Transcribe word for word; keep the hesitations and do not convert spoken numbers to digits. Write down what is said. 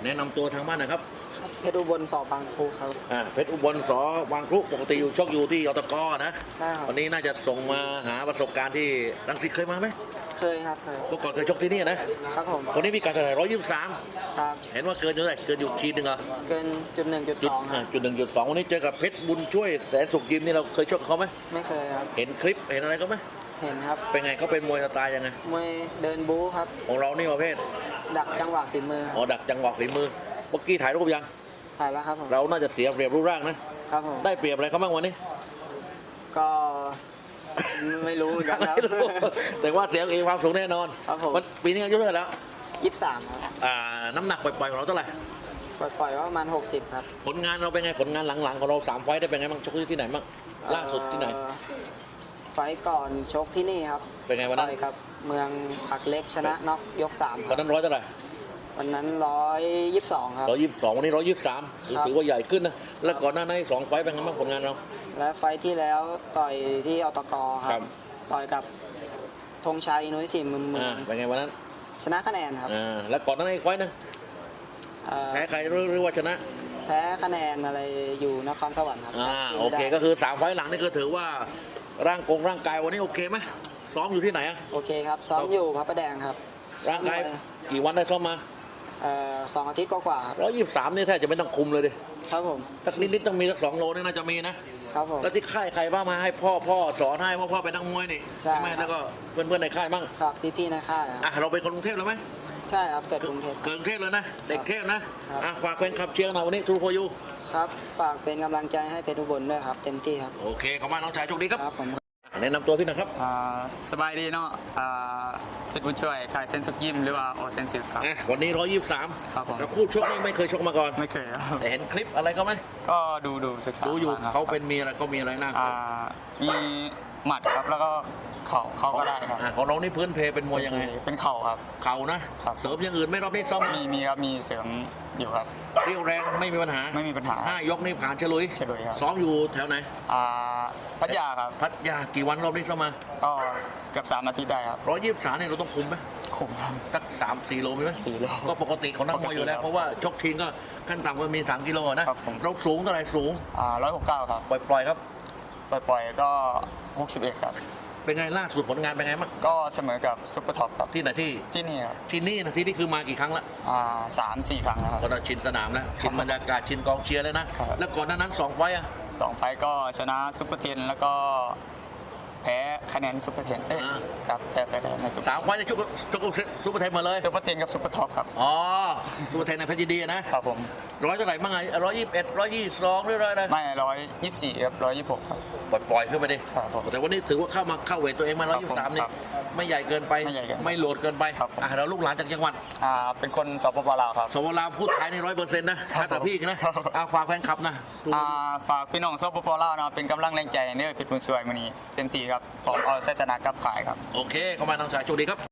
แนะนำตัวทางบ้านหนะครับเพชรอุบลสอบางครูครับอ่าเพชรอุบลสบางครุปกติอยู่ชกอยู่ที่อตกนะใช่ครับวันนี้น่าจะส่งมาหาประสบการณ์ที่รังสิตเคยมาไหมเคยครับเคยเมื่อก่อนเคยชกที่นี่นะครับผมวันนี้มีการเท่าไหร่ร้อยยี่สิบสามครับเห็นว่าเกินอยู่เท่าไหร่เกินอยู่ชีดหนึ่งเหรอเกินจุดหนึ่งจุดสองครับจุดหนึ่งจุดสองวันนี้เจอกับเพชรบุญช่วยแสนสุขยิมนี่เราเคยชกเขาไหมไม่เคยครับเห็นคลิปเห็นอะไรก็ไหมเห็นครับเป็นไงเขาเป็นมวยสไตล์ยังไงมวยเดินบู๊ครับของเรานี่ประเภทดักจังหวะฝีมืออ๋อดักจังหวะฝีมือเมื่อกี้ถ่ายรูปยังถ่ายแล้วครับผมเราน่าจะเสียเปรียบรูปร่างนะครับผมได้เปรียบอะไรเขาบ้างวันนี้ก็ไม่รู้เหมือนกันครับแต่ว่าเสียเองความสูงแน่นอนครับผมปีนี้อายุเท่าไหร่แล้วยี่สิบสามครับอ่าน้ำหนักปล่อยๆของเราเท่าไหร่ปล่อยๆว่าประมาณหกสิบครับผลงานเราเป็นไงผลงานหลังๆของเราสามไฟต์ได้เป็นไงบ้างชกที่ไหนบ้างล่าสุดที่ไหนไฟก่อนชกที่นี่ครับเป็นไงวันนั้นครับเมืองผักเล็กชนะน็อกยกสามวันนั้นร้อยเท่าไหร่วันนั้นร้อยยี่สิบสองครับร้อยยี่สิบสองวันนี้ร้อยยี่สิบสามถือว่าใหญ่ขึ้นนะแล้วก่อนหน้านั้นสองไฟต์เป็นไงบ้างผลงานเราและไฟที่แล้วต่อยที่อตกครับต่อยกับธงชัยนุ้ยสี่มือมือเป็นไงวันนั้นชนะคะแนนครับอ่าแล้วก่อนหน้านั้นไฟต์นะแพ้ใครหรือว่าชนะแพ้คะแนนอะไรอยู่นครสวรรค์ครับอ่าโอเคก็คือสามไฟต์หลังนี่ก็ถือว่าร่างกงร่างกายวันนี้โอเคไหมซ้อมอยู่ที่ไหนอ่ะโอเคครับซ้อมอยู่พระประแดงครับร่างกายกี่วันได้ซ้อมมาเอ่อสองอาทิตย์กว่าครับร้อยยี่สิบสามนี่แทบจะไม่ต้องคุมเลยดิครับผมสักนิดๆต้องมีสักสองโลนี่น่าจะมีนะครับผมแล้วที่ค่ายใครบ้างมาให้พ่อพ่อสอนให้พ่อพ่อเป็นนักมวยนี่ใช่ไหมแล้วก็เพื่อนๆในค่ายบ้างครับพี่ๆในค่ายอ่ะเราเป็นคนกรุงเทพหรือไหมใช่ครับเกิดกรุงเทพเกิดกรุงเทพเลยนะเด็กเทพนะอ่ะฝากแฟนคลับเชียร์หน่อยวันนี้ทูโพยูครับฝากเป็นกำลังใจให้เพชรอุบลด้วยครับเต็มที่ครับโอเคขอบคุณน้องชายโชคดีครับครับผมแนะนำตัวพี่นะครับสบายดีเนาะเพชรบุญช่วยขายเซนสุกยิมหรือว่าโอเซนซิลครับวันนี้ร้อยยี่สิบสามครับผมแล้วคู่ชกนี่ไม่เคยชกมาก่อนไม่เคยครับแต่เห็นคลิปอะไรเขาไหมก็ดูดูศึกษาดูอยู่เขาเป็นมีอะไรเขามีอะไรน่ามีหมัดครับแล้วก็เข่าเขาก็ได้ครับของน้องนี่พื้นเพเป็นมวยยังไงเป็นเข่าครับเข่านะเสริมอย่างอื่นไม่รอบนี้ซ้อมมีมีครับมีเสริมอยู่ครับเรียวแรงไม่มีปัญหาไม่มีปัญหาห้ายกนี่ผ่านเฉลุยเฉลุยครับซ้อมอยู่แถวไหนอ่าพัทยาครับพัทยากี่วันรอบนี้ซ้อมมาก็เกือบสามอาทิตย์ได้ครับร้อยยี่สิบสามเนี่ยเราต้องคุมไหมคุมครับสักสามสี่โลมีไหมสี่โลก็ปกติของนักมวยอยู่แล้วเพราะว่าชกทิ้งก็ขั้นต่ำก็มีสามกิโลนะเราสูงเท่าไหร่สูงอ่าร้อยหกเก้าครับปล่อยๆครับปล่อยๆก็หกสิบเอ็ดครับเป็นไงล่าสุดผลงานเป็นไงบ้างก็เสมอกับซุปเปอร์ท็อปครับที่ไหนที่ที่นี่ครับที่นี่นะที่นี่คือมากี่ครั้งละอ่าสามสี่ครั้งแล้วครับก็เราชินสนามแล้วชินบรรยากาศชินกองเชียร์แล้วนะแล้วก่อนหน้านั้นสองไฟอ่ะสองไฟก็ชนะซุปเปอร์เทนแล้วก็แพ้คะแนนซุปเปอร์เทนเอ้ยครับแพ้คะแนนในสามไฟในชุกชุกซุปเปอร์เทนมาเลยซุปเปอร์เทนกับซุปเปอร์ท็อปครับอ๋อซุปเปอร์เทนในเพชรยินดีนะครับผมร้อยเท่าไหร่บ้างไงร้อยยี่สิบเอ็ดร้อยยี่สิบสองหรือร้อยอะไรไม่ร้อยยี่สิบสี่ครับร้อยยี่สิบหกครับปล่อยขึ้นไปดิแต่วันนี้ถือว่าเข้ามาเข้าเวทตัวเองมาร้อยยี่สิบสามนี่ไม่ใหญ่เกินไปไม่โหลดเกินไปอ่ะเราลูกหลานจากจังหวัดอ่าเป็นคนสปปลาวครับสปปลาวพูดไทยในร้อยเปอร์เซ็นต์นะชัดแต่พี่นะอ่าฝากแฟนคลับนะอ่าฝากพี่น้องสปปลาวนะเป็นกำลังแรงใจเนี่ยเพชรบุญช่วยมื้อนี้เต็มที่ครับพร้อมเอาชัยชนะกลับขายครับโอเคเข้ามาน้องชายโชคดีครับ